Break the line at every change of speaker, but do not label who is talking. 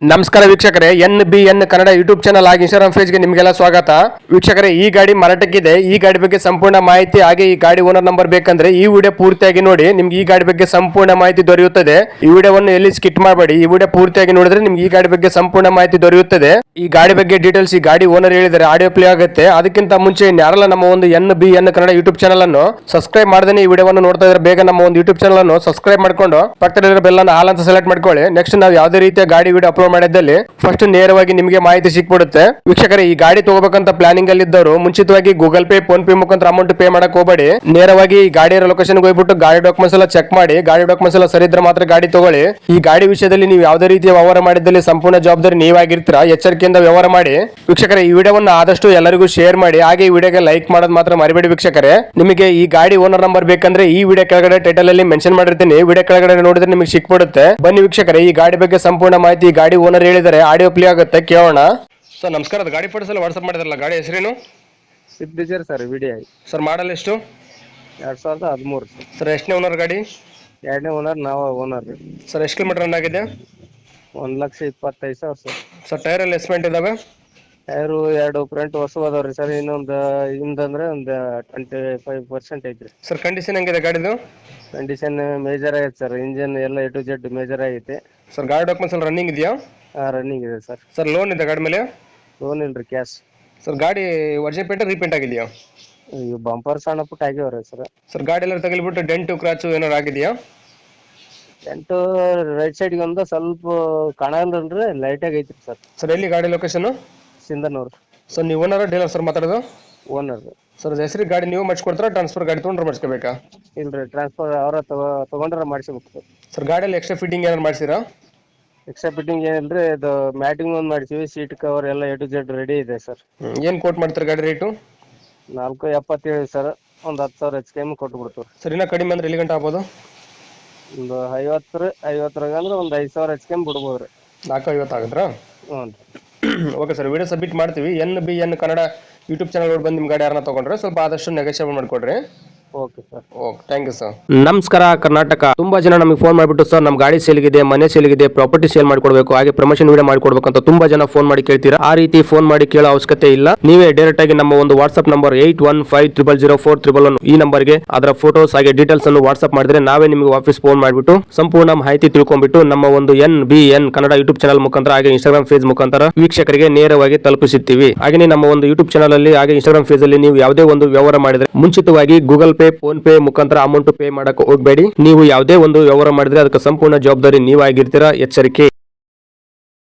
ನಮಸ್ಕಾರ ವೀಕ್ಷಕರೇ, NBN Kannada YouTube channel ಹಾಗೆ ಇನ್ಸ್ಟಾಗ್ರಾಮ್ ಪೇಜ್ಗೆ ನಿಮಗೆಲ್ಲ ಸ್ವಾಗತ. ವೀಕ್ಷಕರೇ, ಈ ಗಾಡಿ ಮಾರಾಟಕ್ಕಿದೆ. ಈ ಗಾಡಿ ಬಗ್ಗೆ ಸಂಪೂರ್ಣ ಮಾಹಿತಿ ಹಾಗೆ ಈ ಗಾಡಿ ಓನರ್ ನಂಬರ್ ಬೇಕಂದ್ರೆ ಈ ವಿಡಿಯೋ ಪೂರ್ತಿಯಾಗಿ ನೋಡಿ. ನಿಮ್ಗೆ ಈ ಗಾಡಿ ಬಗ್ಗೆ ಸಂಪೂರ್ಣ ಮಾಹಿತಿ ದೊರೆಯುತ್ತದೆ. ಈ ವಿಡಿಯೋವನ್ನು ಎಲ್ಲಿ ಸ್ಕಿಟ್ ಮಾಡಬೇಡಿ. ಈ ವಿಡಿಯೋ ಪೂರ್ತಿಯಾಗಿ ನೋಡಿದ್ರೆ ನಿಮ್ಗೆ ಈ ಗಾಡಿ ಬಗ್ಗೆ ಸಂಪೂರ್ಣ ಮಾಹಿತಿ ದೊರೆಯುತ್ತದೆ. ಈ ಗಾಡಿ ಬಗ್ಗೆ ಡೀಟೇಲ್ಸ್ ಈ ಗಾಡಿ ಓನರ್ ಹೇಳಿದರೆ ಆಡಿಯೋ ಪ್ಲೇ ಆಗುತ್ತೆ. ಅದಕ್ಕಿಂತ ಮುಂಚೆ ಯಾರೆಲ್ಲ ನಮ್ಮ ಒಂದು NBN ಕನ್ನಡ ಯೂಟ್ಯೂಬ್ ಚಾನಲ್ ಅನ್ನು ಸಬ್ಸ್ಕ್ರೈಬ್ ಮಾಡದೇ ಈ ವಿಡಿಯೋವನ್ನು ನೋಡ್ತಾ ಇದ್ರೆ ಬೇಗ ನಮ್ಮ ಒಂದು ಯೂಟ್ಯೂಬ್ ಚಾನಲ್ ಅನ್ನು ಸಬ್ಸ್ಕ್ರೈಬ್ ಮಾಡ್ಕೊಂಡು ಪಕ್ಕದಲ್ಲಿರೋ ಬೆಲ್ ಅನ್ನು ಆಲ್ ಅಂತ ಸೆಲೆಕ್ಟ್ ಮಾಡ್ಕೊಳ್ಳಿ. ನೆಕ್ಸ್ಟ್ ನಾವು ಯಾವುದೇ ರೀತಿಯ ಗಾಡಿ ವಿಡಿಯೋ ಅಪ್ಲೋಡ್ ಮಾಡಿದ್ದಲ್ಲಿ ಫಸ್ಟ್ ನೇರವಾಗಿ ನಿಮಗೆ ಮಾಹಿತಿ ಸಿಕ್ಬಿಡುತ್ತೆ. ವೀಕ್ಷಕರೇ, ಈ ಗಾಡಿ ತಗೋಬೇಕಂತ ಪ್ಲಾನಿಂಗ್ ಅಲ್ಲಿ ಇದ್ದವರು ಮುಂಚಿತವಾಗಿ ಗೂಗಲ್ ಪೇ, ಫೋನ್ ಪೇ ಮುಖಾಂತರ ಅಮೌಂಟ್ ಪೇ ಮಾಡಕ್ ಹೋಗಬೇಡಿ. ನೇರವಾಗಿ ಈ ಗಾಡಿಯ ಲೊಕೇಶನ್ ಹೋಗ್ಬಿಟ್ಟು ಗಾಡಿ ಡಾಕ್ಯುಮೆಂಟ್ಸ್ ಎಲ್ಲ ಚೆಕ್ ಮಾಡಿ. ಗಾಡಿ ಡಾಕ್ಯುಮೆಂಟ್ಸ್ ಎಲ್ಲ ಸರಿ ಇದ್ರೆ ಮಾತ್ರ ಗಾಡಿ ತಗೊಳ್ಳಿ. ಈ ಗಾಡಿ ವಿಷಯದಲ್ಲಿ ನೀವು ಯಾವುದೇ ರೀತಿಯ ವ್ಯವಹಾರ ಮಾಡಿದಲ್ಲಿ ಸಂಪೂರ್ಣ ಜವಾಬ್ದಾರಿ ನೀವಾಗಿರ್ತೀರಾ. ಎಚ್ಚರಿಕೆಯಿಂದ ವ್ಯವಹಾರ ಮಾಡಿ. ವೀಕ್ಷಕರೇ, ಈ ವಿಡಿಯೋವನ್ನು ಆದಷ್ಟು ಎಲ್ಲರಿಗೂ ಶೇರ್ ಮಾಡಿ. ಹಾಗೆ ಈ ವಿಡಿಯೋಗೆ ಲೈಕ್ ಮಾಡೋದು ಮಾತ್ರ ಮರಿಬೇಡಿ. ವೀಕ್ಷಕರೇ, ನಿಮಗೆ ಈ ಗಾಡಿ ಓನರ್ ನಂಬರ್ ಬೇಕಂದ್ರೆ ಈ ವಿಡಿಯೋ ಕೆಳಗಡೆ ಟೈಟಲ್ ಅಲ್ಲಿ ಮೆನ್ಷನ್ ಮಾಡಿರ್ತೀನಿ. ವಿಡಿಯೋ ಕೆಳಗಡೆ ನೋಡಿದ್ರೆ ನಿಮಗೆ ಸಿಕ್ಬಿಡುತ್ತೆ. ಬನ್ನಿ ವೀಕ್ಷಕರೇ, ಈ ಗಾಡಿ ಬಗ್ಗೆ ಸಂಪೂರ್ಣ ಮಾಹಿತಿ ಈ ಗಾಡಿ ಓನರ್ ಹೇಳಿದರೆ ಆಡಿಯೋ ಪ್ಲೇ ಆಗುತ್ತೆ, ಕೇಳೋಣ. ಸರ್ ನಮಸ್ಕಾರ, ಗಾಡಿ ಫೋಟೋಸ್ ಎಲ್ಲ ವಾಟ್ಸ್ಆಪ್ ಮಾಡಿದ್ರಲ್ಲ, ಗಾಡಿ ಹೆಸರೇನು?
Swift Dzire sir, VDI
sir model ಎಷ್ಟು?
2013
ಸರ್ ಎಷ್ಟನೇ ಓನರ್ ಗಾಡಿ?
ಎರಡನೇ ಓನರ್, ನಾವು ಓನರ್ ರೀ.
ಸರ್ ಎಷ್ಟು ಕಿಲೋಮೀಟರ್ ರನ್ ಆಗಿದೆ?
1,25,000 ಸರ್.
ಸರ್ ಟೈರ್ ಎಲ್ಲ ಎಸ್ಪೆಂಟ್ ಇದಾವೆ?
ಟೈರು ಎರಡು ಫ್ರಂಟ್ ಹೊಸ ಅದಾವ್ರಿ ಸರ್. ಇನ್ನೊಂದು ಹಿಂದಂದ್ರೆ ಒಂದು 25% ಐತ್ರಿ.
ಸರ್ ಕಂಡೀಷನ್ ಹೆಂಗಿದೆ ಗಾಡಿದು?
ಕಂಡೀಷನ್ ಮೇಜರ್ ಆಗೈತೆ ಸರ್. ಇಂಜಿನ್ ಎಲ್ಲ A to Z ಮೇಜರ್ ಆಗೈತೆ.
ಸರ್ ಗಾಡಿ ಡಾಕ್ಯುಮೆಂಟ್ಸ್ ಎಲ್ಲ ರನ್ನಿಂಗ್ ಇದೆಯಾ?
ರನ್ನಿಂಗ್ ಇದೆ ಸರ್.
ಸರ್ ಲೋನ್ ಇದೆ ಗಾಡಿ ಮೇಲೆ?
ಲೋನ್ ಇಲ್ರಿ, ಕ್ಯಾಶ್.
ಸರ್ ಗಾಡಿ ಒರಿಜಿನಲ್ ಪೇಂಟ್ ರೀಪೇಂಟ್ ಆಗಿದೆಯಾ?
ಈಗ ಬಂಪರ್ ಸಣ್ಣ ಪುಟ್ಟ ಆಗ್ಯಾವ್ರಿ ಸರ್.
ಸರ್ ಗಾಡಿ ಎಲ್ಲ ತಗಲಿಬಿಟ್ಟು ಡೆಂಟು ಕ್ರಾಚು ಏನಾರು ಆಗಿದೆಯಾ?
ಎಂಟು ರೈಟ್ ಸೈಡ್ಗೆ ಒಂದು ಸ್ವಲ್ಪ ಕಾಣಲ್ರಿ, ಲೈಟ್ ಆಗಿ ಐತ್ರಿ ಸರ್.
ಸರ್ ಎಲ್ಲಿ ಗಾಡಿ ಲೊಕೇಶನ್?
ಸಿಂಧನೂರು.
ಸರ್ ನೀವು ಓನರ್ ಡೀಲರ್ ಸರ್ ಮಾತಾಡೋದು?
ಓನರ್.
ಸರ್ ಹೆಸರಿಗೆ ಗಾಡಿ ನೀವು ಮಾಡಿಸ್ಕೊಡ್ತಾರ, ಟ್ರಾನ್ಸ್ಫರ್ ಗಾಡಿ ತೊಗೊಂಡ್ರೆ ಮಾಡಿಸ್ಕೋಬೇಕಾ?
ಇಲ್ರಿ, ಟ್ರಾನ್ಸ್ಫರ್ ಅವರ ತಗೊಂಡ್ರೆ ಮಾಡಿಸ್ಬೇಕು ಸರ್.
ಸರ್ ಗಾಡಿಯಲ್ಲಿ ಎಕ್ಸ್ಟ್ರಾ ಫಿಟ್ಟಿಂಗ್ ಏನಾರು ಮಾಡಿಸಿರಾ?
ಎಕ್ಸ್ಟ್ರಾ ಫಿಟ್ಟಿಂಗ್ ಏನಿಲ್ರಿ, ಇದು ಮ್ಯಾಟಿಂಗ್ ಒಂದು ಮಾಡಿಸಿವಿ. ಸೀಟ್ ಕವರ್ ಎಲ್ಲ A to Z ರೆಡಿ ಇದೆ ಸರ್.
ಏನು ಕೋಟ್ ಮಾಡ್ತಾರೆ ಗಾಡಿ ರೇಟು?
4,77 ಸರ್. ಒಂದು 10,000 HKM ಕೊಟ್ಟು ಬಿಡ್ತೀವಿ
ಸರ್. ಇನ್ನೂ ಕಡಿಮೆ ಅಂದ್ರೆ ಎಲ್ಲಿ ಗಂಟೆ ಆಗ್ಬೋದು?
ಒಂದು 50 ಅಂದ್ರೆ ಒಂದು 5,000 HKM ಬಿಡ್ಬೋದು ರೀ.
450 ಆಗಿದ್ರಾ?
ಹ್ಞೂ.
ಓಕೆ ಸರ್, ವಿಡಿಯೋ ಸಬ್ಮಿಟ್ ಮಾಡ್ತೀವಿ. NBN ಕನ್ನಡ ಯೂಟ್ಯೂಬ್ ಚಾನಲ್ ನೋಡಿ ಬಂದು ನಿಮ್ಮ ಗಾಡಿ ಯಾರನ್ನ ತೊಗೊಂಡ್ರೆ ಸ್ವಲ್ಪ ಆದಷ್ಟು ನೆಗೋಷಿಯೇಟ್ ಮಾಡಿಕೊಡ್ರಿ.
Okay sir.
Okay, thank you sir. ನಮಸ್ಕಾರ ಕರ್ನಾಟಕ. ತುಂಬಾ ಜನ ನಮಗೆ ಫೋನ್ ಮಾಡಿಬಿಟ್ಟು ಸರ್ ನಮ್ಮ ಗಾಡಿ ಸೇಲ್ಗಿದೆ, ಮನೆ ಸೇಲ್ಗಿದೆ, ಪ್ರಾಪರ್ಟಿ ಸೇಲ್ ಮಾಡ್ಕೊಡ್ಬೇಕು, ಹಾಗೆ ಪ್ರಮೋಷನ್ ವಿಡಿಯೋ ಮಾಡ್ಕೊಡ್ಬೇಕು ಅಂತ ತುಂಬಾ ಜನ ಫೋನ್ ಮಾಡಿ ಕೇಳ್ತೀರಾ. ಆ ರೀತಿ ಫೋನ್ ಮಾಡಿ ಕೇಳೋ ಅವಶ್ಯಕತೆ ಇಲ್ಲ. ನೀವೇ ಡೈರೆಕ್ಟ್ ಆಗಿ ನಮ್ಮ ಒಂದು ವಾಟ್ಸ್ಆಪ್ ನಂಬರ್ 81500411 ಈ ನಂಬರ್ಗೆ ಅದರ ಫೋಟೋಸ್ ಹಾಗೆ ಡೀಟೇಲ್ಸ್ ಅನ್ನು ವಾಟ್ಸ್ಆಪ್ ಮಾಡಿದ್ರೆ ನಾವೇ ನಿಮಗೆ ವಾಪಸ್ ಫೋನ್ ಮಾಡಿಬಿಟ್ಟು ಸಂಪೂರ್ಣ ಮಾಹಿತಿ ತಿಳ್ಕೊಂಡ್ಬಿಟ್ಟು ನಮ್ಮ ಒಂದು NBN ಕನ್ನಡ ಯೂಟ್ಯೂಬ್ ಚಾನಲ್ ಮುಖಾಂತರ ಹಾಗೆ ಇನ್ಸ್ಟಾಗ್ರಾಮ್ ಪೇಜ್ ಮುಖಾಂತರ ವೀಕ್ಷಕರಿಗೆ ನೇರವಾಗಿ ತಲುಪಿಸುತ್ತೀವಿ. ಹಾಗೆ ನಮ್ಮ ಒಂದು ಯೂಟ್ಯೂಬ್ ಚಾನಲ್ ಅಲ್ಲಿ ಹಾಗೆ ಇನ್ಸ್ಟಾಗ್ರಾಮ್ ಪೇಜ್ ಅಲ್ಲಿ ನೀವು ಯಾವುದೇ ಒಂದು ವ್ಯವಹಾರ ಮಾಡಿದ್ರೆ ಮುಂಚಿತವಾಗಿ ಗೂಗಲ್ ಪೇ, ಫೋನ್ ಪೇ ಮುಖಾಂತರ ಅಮೌಂಟ್ ಪೇ ಮಾಡಕ್ಕೆ ಹೋಗಬೇಡಿ. ನೀವು ಯಾವುದೇ ಒಂದು ವ್ಯವಹಾರ ಮಾಡಿದ್ರೆ ಅದಕ್ಕೆ ಸಂಪೂರ್ಣ ಜವಾಬ್ದಾರಿ ನೀವಾಗಿರ್ತೀರಾ. ಎಚ್ಚರಿಕೆ.